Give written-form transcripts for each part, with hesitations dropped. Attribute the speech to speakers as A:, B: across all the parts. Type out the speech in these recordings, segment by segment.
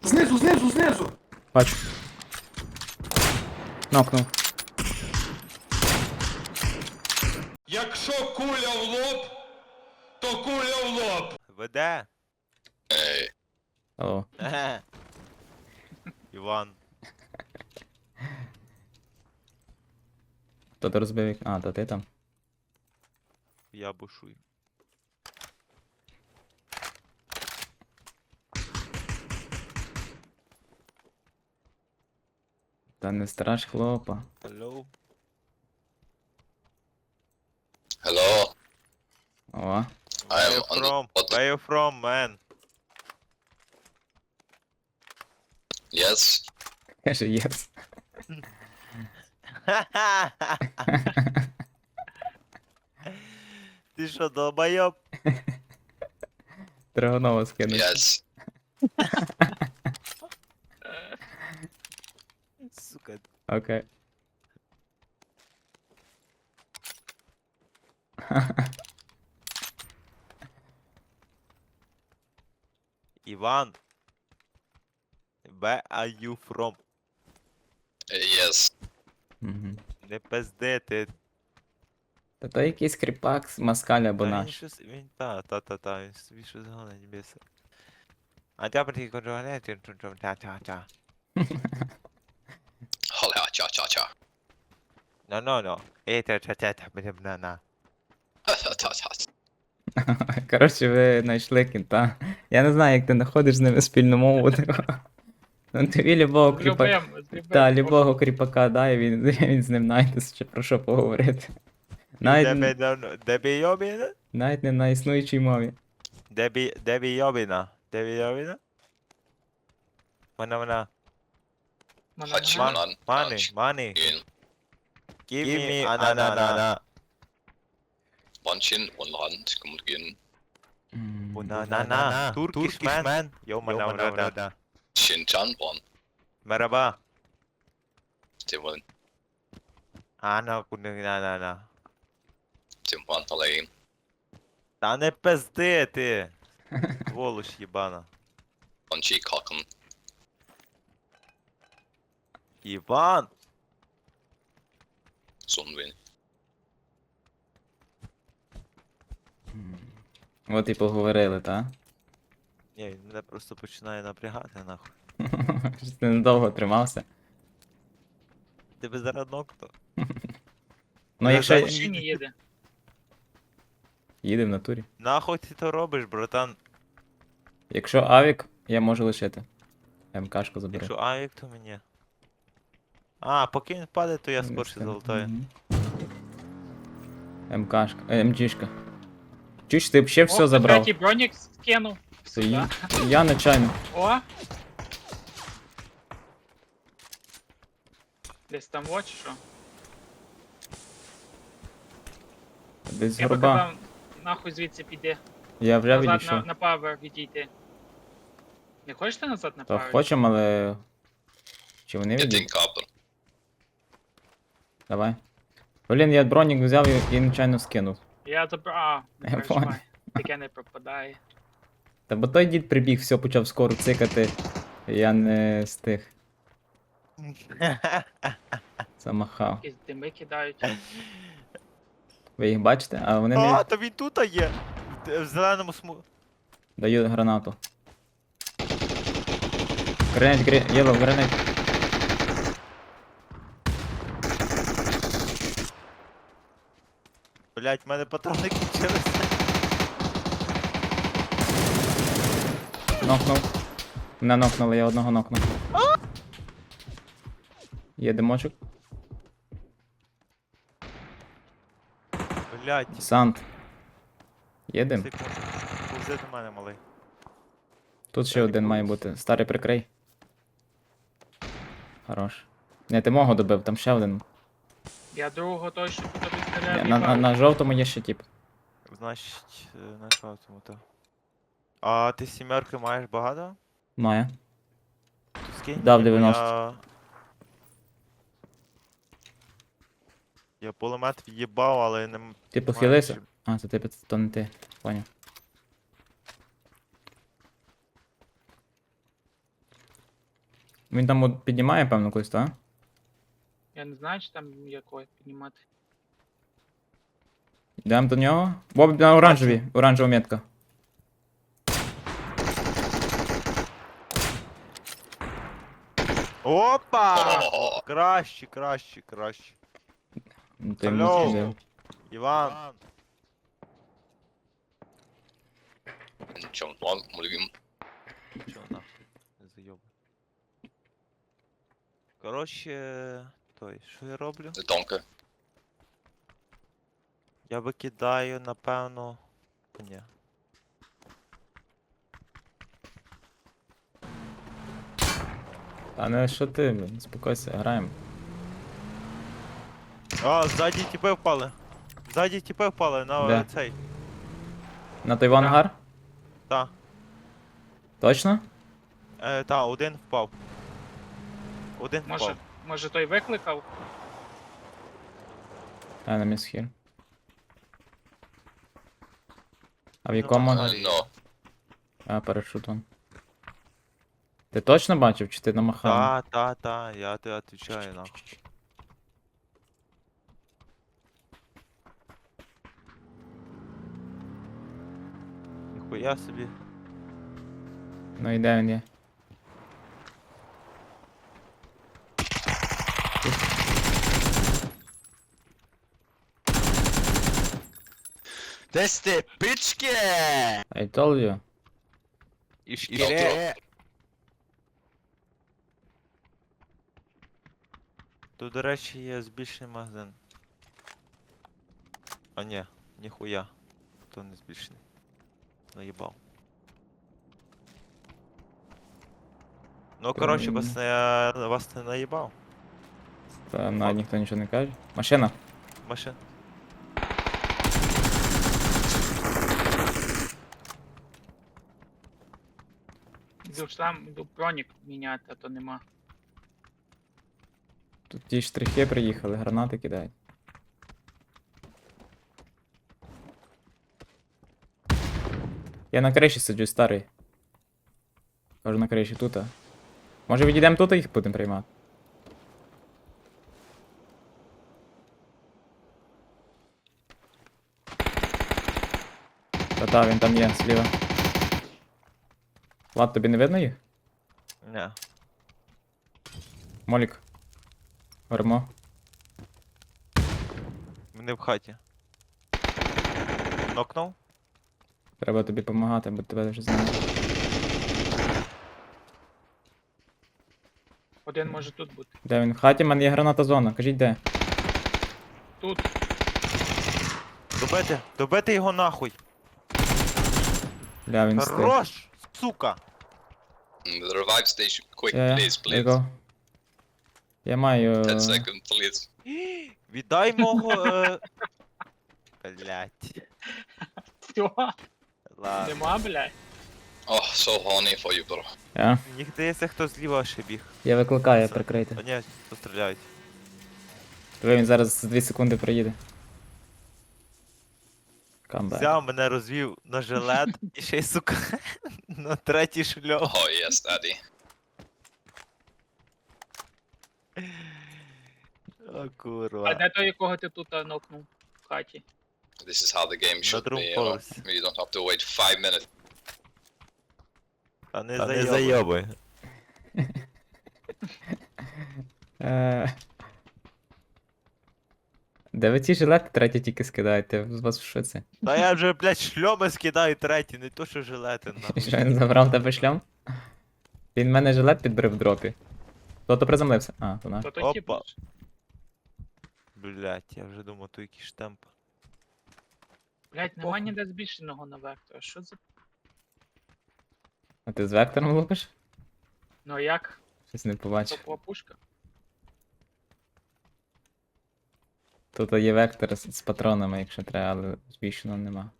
A: Знизу!
B: Бачу. Нокнув.
C: Якщо куля в лоб, то куля в лоб. Веде?
B: Алло.
C: Іван.
B: Хто то розбив вікно? А, то ти там.
C: Я бушую.
B: Та не страш хлопа.
C: Hello?
D: Hello,
B: О.
C: Where
D: I'm
C: you
D: on the
C: from?
D: bottom.
C: Where you from, man?
D: Yes.
B: Каже, єс.
C: Ти що, долбойоб?
B: Драгонова скинуть.
D: Yes.
C: Сука.
B: Окей.
C: Іван. Where are you from?
D: Yes.
B: Мгм.
C: Не пизди, ти.
B: Та то якийсь кріпак з Маскаль або
C: Та він
B: наш.
C: щось, він він собі щось гонить біса. А тя прийти контролювати, та.
D: Hola, cha cha cha.
C: No. Та, на.
D: Ta ta.
B: Коротше, ви знайшли кінта. Я не знаю, як ти знаходиш з ними спільну мову. Ну тобі любого кріпака. Та, любого кріпака дай, він з ним знайде, чи про що поговорити.
C: Дебі йобіна?
B: Навіть не на існуючій мові.
C: Дебі йобіна? Дебі йобіна? Вона.
D: Hachiman.
C: Money.
D: In
C: Give me anana.
D: one chin, one hand. Kommt gehen.
C: Banana. Turkish man. Yo mana.
D: Chin chan one.
C: Merhaba.
D: Dem one.
C: Ana kunana.
D: Dem one allein.
C: Та не пизди ти. Волош єбана.
D: One cheek hacken.
C: Іван.
D: So ein wenig.
B: От і поговорили, та?
C: Ні, він мене просто починає напрягати нахуй.
B: Щось ти недовго тримався.
C: Тебе зараз нокто.
B: Ну, якщо
E: машині їде.
B: їде в натурі.
C: Нахуй ти то робиш, братан?
B: Якщо авік, я можу лишити. МКшку заберу.
C: Якщо авік, то мені. А, поки він впаде, то я
B: Не
C: скорше
B: встигну.
C: золотаю.
B: Мгм. МКшка. МГшка. Чуч, ти б ще все
E: О,
B: забрав.
E: третій бронік скинув.
B: Це
E: Сюди.
B: я нечайно.
E: О! Десь там от чи що?
B: Десь з
E: Я би
B: горба.
E: казав, нахуй звідси піде.
B: Я вже
E: Назад
B: відійшов.
E: на павер відійти. Не хочеш ти назад на
B: Та
E: павер?
B: хочемо, але. Чи вони
D: Get den
B: відійдуть?
D: Kabel.
B: Давай. Блін, я бронік взяв і нечайно скинув.
E: Я забрав.
B: Я
E: Не переживай.
B: понял.
E: Таке не пропадає.
B: Та бо той дід прибіг, все почав скоро цикати. Я не встиг. Замахав.
E: Якісь дими кидають.
B: Ви їх бачите? А вони
C: А,
B: не
C: то він тут є. В зеленому сму.
B: дають гранату. Гранат, єло, гранат.
C: Блять, в мене патрони кінчилися.
B: Нокнув. Мене нокнули, я одного нокнув. Є димочок.
C: Блять,
B: Сант. Є дим.
C: секунду. Повзи до мене, малий.
B: Тут ще один має бути. Старий прикрий. Хорош. Не, ти мого добив, там ще один.
E: Я другого той, що тут
B: Є,
E: стріляє.
B: на жовтому є ще тип.
C: Значить, на що тому то. А ти сімерки маєш багато?
B: Має.
C: То скинь
B: Дав
C: мені, бо
B: 90.
C: Я пулемет в'їбав, але не...
B: Ти
C: маю
B: похилився?
C: чим.
B: А, це ти, то не ти. Поняв. Він там от піднімає, певно, когось, так?
E: Я не знаю, чи там якого піднімати.
B: Йдемо до нього. Боб на оранжевій, оранжева метка.
C: Опа!
D: О!
C: Краще, краще, краще.
B: Ну, ти йому
C: Алло.
B: скидав.
C: Іван.
D: Nічого, ладно, мульгім.
C: Чого нахуй? Не зайобуй. Коротше, той, що я роблю?
D: Донка.
C: Я викидаю, напевно. Ні.
B: Та не що ти, блін, спокойся, граємо.
C: А, ззаді тіпи впали. Ззаді тіпи впали на
B: Де?
C: цей.
B: На той ангар?
C: Та.
B: Точно?
C: Та, один впав. Один
E: Може,
C: впав.
E: може той викликав?
B: А, на місхір. А в якому?
C: взагалі.
D: Ну,
B: А, парашут вон. Ти точно бачив, чи ти намахав?
C: Та, я тебе отвечаю нахуй. Ніхуя собі.
B: Ну і де він є?
A: That's the bitchke!
B: I told you.
C: І
D: шкіре.
C: Тут, до речі, є збільшений магазин. А ні, ніхуя. То не збільшений. Наїбав. Ну, коротше, вас не наїбав.
B: Та навіть ніхто нічого не каже. Машина.
C: Машин.
E: Йду бронік міняти, а то нема.
B: Тут ті штрихи приїхали, гранати кидають. Я на криші сиджу, старий. Кажу на криші тут. Може відійдемо тут і їх будемо приймати? Та-та, він там є, зліва. Влад, тобі не видно їх?
C: Не.
B: Молік. Гормо.
C: Вони в хаті. Нокнув?
B: Треба тобі допомагати, бо тебе вже знаю.
E: Один може тут бути.
B: Де він? В хаті, в мене є граната зона. Кажіть де.
E: Тут.
C: Добити! Добити його нахуй!
B: Бля, він стоїть.
C: Хорош! Сука!
D: the revive station. Quick,
B: Я,
D: please,
B: я,
D: please.
B: я маю...
D: 10 seconds, please.
C: Віддай мого. Блять.
E: Все,
C: Ладно.
E: нема, блядь.
D: Oh, so horny for you, bro.
C: Мені здається, хто зліва ще біг.
B: Я викликаю,
C: Це-
B: прикрийте.
C: А ні, постріляють.
B: Диви, він зараз за 2 секунди приїде. Камбек.
C: Взяв мене розвів на жилет і ще й сука на третій шльом.
D: Oh, yes, daddy.
C: О,
E: А
C: курва.
E: де той, якого ти тут нокнув в хаті?
D: This is how the game should
C: Bedroom
D: be, you know.
C: pause.
D: You don't have to wait 5 minutes.
C: А не
B: не
C: зайобуй.
B: Де ви ці жилети третій тільки скидаєте? З вас в шоці?
C: Та я вже, блядь, шльоми скидаю третій, не то що жилети нахуй.
B: Що він забрав тебе шлям? Він мене жилет підбрив в дропі. Хто-то приземлився. А, то наш.
E: То той тип.
C: Опа. Блять, я вже думав, то якийсь штемп.
E: Блядь, нема ніде збільшеного на вектора. Що за...
B: А ти з вектором лупиш?
E: Ну а як?
B: Щось не побачив.
E: Топова пушка?
B: Тут є вектор з патронами, якщо треба, але збільшеного нема.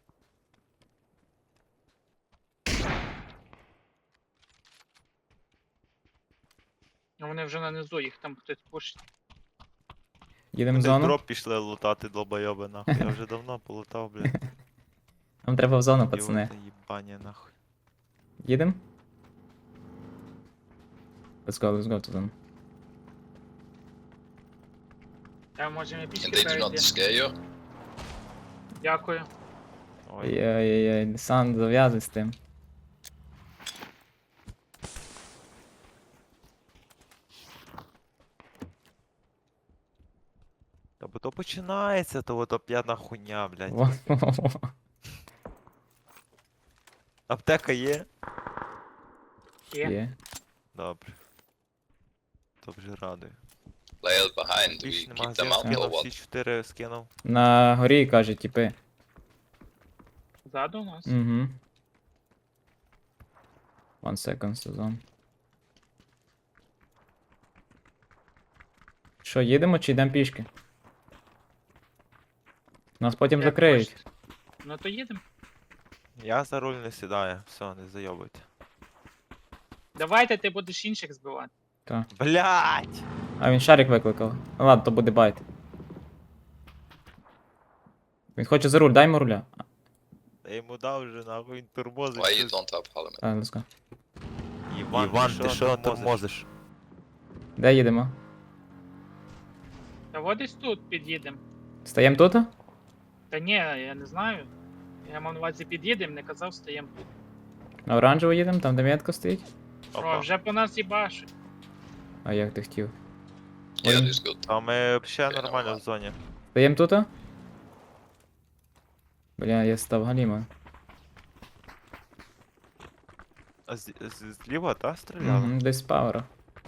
E: Ну вони вже на низу, їх там хтось пушить.
B: Їдемо в
C: Вони в
B: зону?
C: дроп пішли лутати долбойоби нахуй. Я вже давно полутав, блядь.
B: Нам треба в зону, пацани.
C: Ідіоти їбані нахуй.
B: Їдемо? let's go to them.
E: Та можемо
D: And
E: пішки
D: they do not
E: перейти.
D: scare you?
E: Дякую.
C: Ой,
B: Ой-ой-ой, Сан, зав'язуй з тим.
C: та бо то починається, то ото п'яна хуйня, блядь.
B: Во-во-во.
C: Аптека є?
E: Є.
B: Є.
C: Добре. То вже радує.
D: Layer behind.
C: Більше
D: We
C: нема
D: keep them out
C: скинув,
D: or
C: всі
D: what?
C: 4 скинув.
B: На горі, каже, типи.
E: Ззаду у нас.
B: Угу. One second, сезон. Що, їдемо чи йдемо пішки? Нас потім
E: Як
B: закриють.
E: хочете. Ну то їдемо.
C: Я за руль не сідаю, все, не зайобуйте.
E: Давайте ти будеш інших збивати.
B: Та.
C: Блять!
B: А він шарик викликав. Ну ладно, то буде байт. Він хоче за руль, дай йому руля.
C: Я йому дав вже нахуй, він тормозить.
D: Why you
C: щось.
D: don't have parliament?
B: А, let's go.
C: Іван, ти що тормозиш?
B: Де їдемо?
E: Та от десь тут під'їдемо.
B: Стаємо тут?
E: Та ні, я не знаю. Я мав на увазі під'їдемо, не казав, стаємо тут.
B: На оранжево їдемо, там де метка стоїть.
E: О, вже по нас їбашить.
B: А як ти хотів?
D: Yeah,
B: Ой.
D: this good.
C: А ми ще нормально в зоні.
B: Стаємо тут? Бля, я став галіма.
C: А зліва, та, стріляли?
B: Угу, десь з пауера.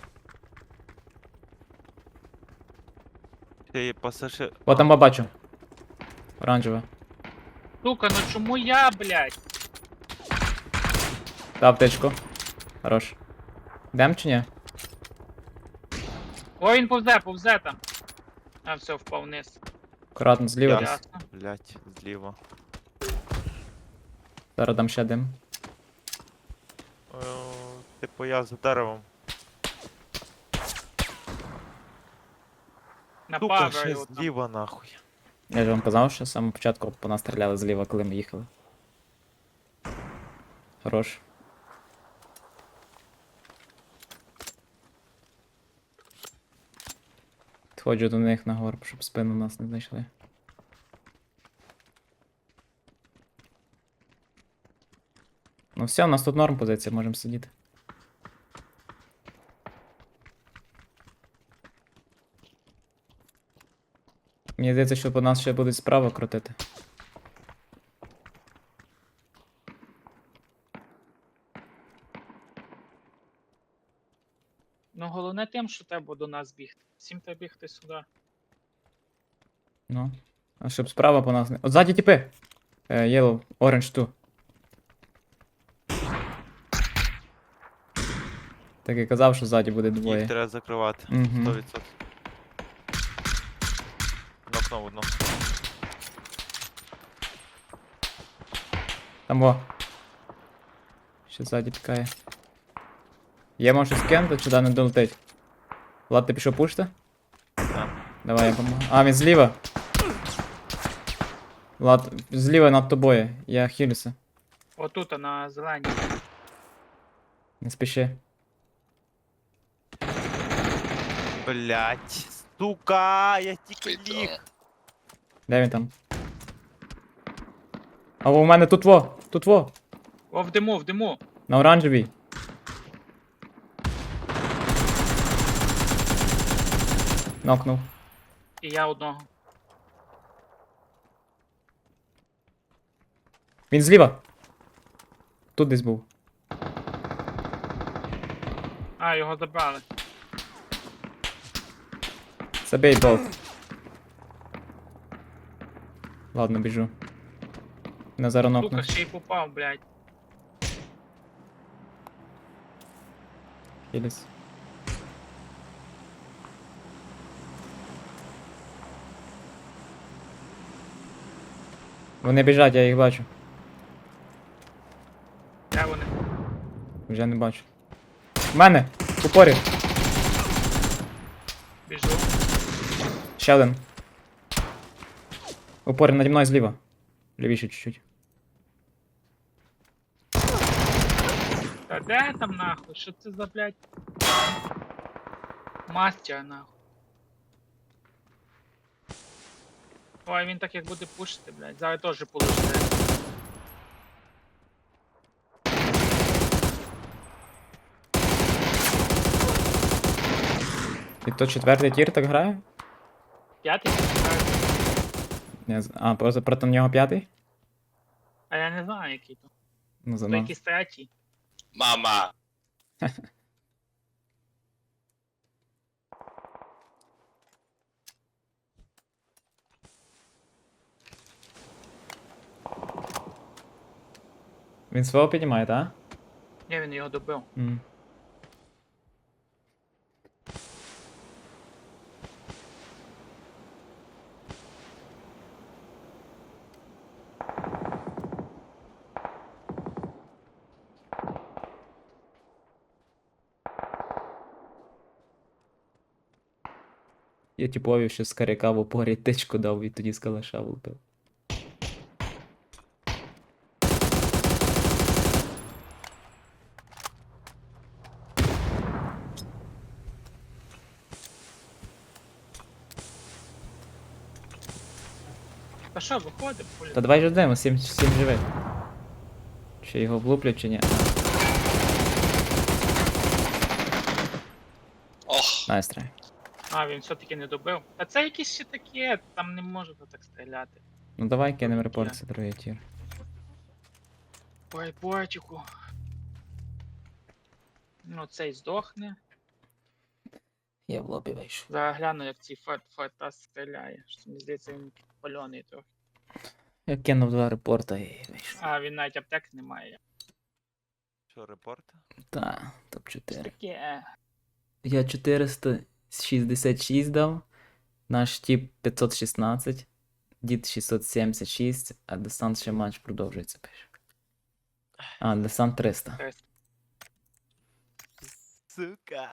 C: Ти пасажир...
B: О, там бачу. Оранжева.
E: Сука, ну чому я, блядь?
B: Та аптечку. Хорош. Йдем чи ні?
E: О, він повзе там. А, все, впав вниз.
B: Акуратно, зліва
C: Я-
B: десь.
E: Ясно.
C: Блять, зліва.
B: Зараз дам ще дим.
C: Типу я за деревом.
E: На
C: Сука,
E: павер
C: ще
E: його там.
C: зліва нахуй.
B: Я ж вам казав, що з самого початку по нас стріляли зліва, коли ми їхали. Хорош. Підходжу до них на горб, щоб спину нас не знайшли. Ну все, у нас тут норм позиція, можемо сидіти. Мені здається, що по нас ще будуть справа крутити.
E: Ну головне тим, що треба до нас бігти. Всім треба бігти сюди.
B: Ну. А щоб справа по нас не. От ззаді тіпи! Yellow, orange ту. Так і казав, що ззаді буде
C: Їх
B: двоє.
C: треба закривати.
B: Мгм.
C: 100%. Нокнув одну.
B: Там во. Ще ззаді пікає. Є може скенти, чи да не долетить? Влад, ти пішов пушти?
C: Так.
B: Давай я помогу. А, він зліва. Влад, зліва над тобою. Я хилюся.
E: Отут, на зеленій.
B: Не спіши.
C: Блять, сука, я тільки
D: Wait,
C: ліг.
B: Де він там? А у мене тут во! Тут во!
E: О, в диму, в диму.
B: На оранжевій. Нокнув.
E: І я одного.
B: Він зліва. Тут десь був.
E: А, його забрали.
B: Забей болт. Ладно, біжу. На зараз
E: Сука,
B: нокну.
E: ще й попав, блядь.
B: Хіліс. Вони біжать, я їх бачу.
E: Де вони?
B: Вже не бачу. В мене! В упорі!
E: Біжу.
B: Ще один. В упорі наді мною зліва. Лівіше чуть-чуть.
E: Та де там нахуй? Що це за, блядь? Мастер, нахуй. Ой, він так як буде пушити, блядь. Зараз теж получите.
B: І то четвертий тір так грає?
E: П'ятий?
B: А, проти нього п'ятий?
E: А я не знаю, який то.
B: Ну, за
E: То
B: нас.
E: якийсь третій.
D: Mama.
B: Він свого піднімає, так?
E: Ні, він його добив.
B: Я типові ще з каряка в упорі тичку дав і тоді з калаша влупив.
E: Та що, виходимо, пулі?
B: Та давай ждемо, 7 живих. Чи його влуплять, чи ні?
D: Och,
B: Найс трай.
E: А, він все-таки не добив. Та це якісь ще таке, там не може так стріляти.
B: Ну давай кинемо
E: Ні.
B: репорт, це другий тір.
E: Ой, бочику. Ну, цей здохне.
B: Я в лобі вийшов.
E: Зараз гляну, як цей фартас стріляє. Що мені здається, він пальоний трохи.
B: Я кинув 2 репорта і вийшов.
E: А, він навіть аптек не має.
C: Що, репорт?
B: Та, топ-4.
E: Таке.
B: Я 466 дав, наш тип 516, дід 676, а десант ще матч продовжується, пише. А, десант 300.
C: Сука.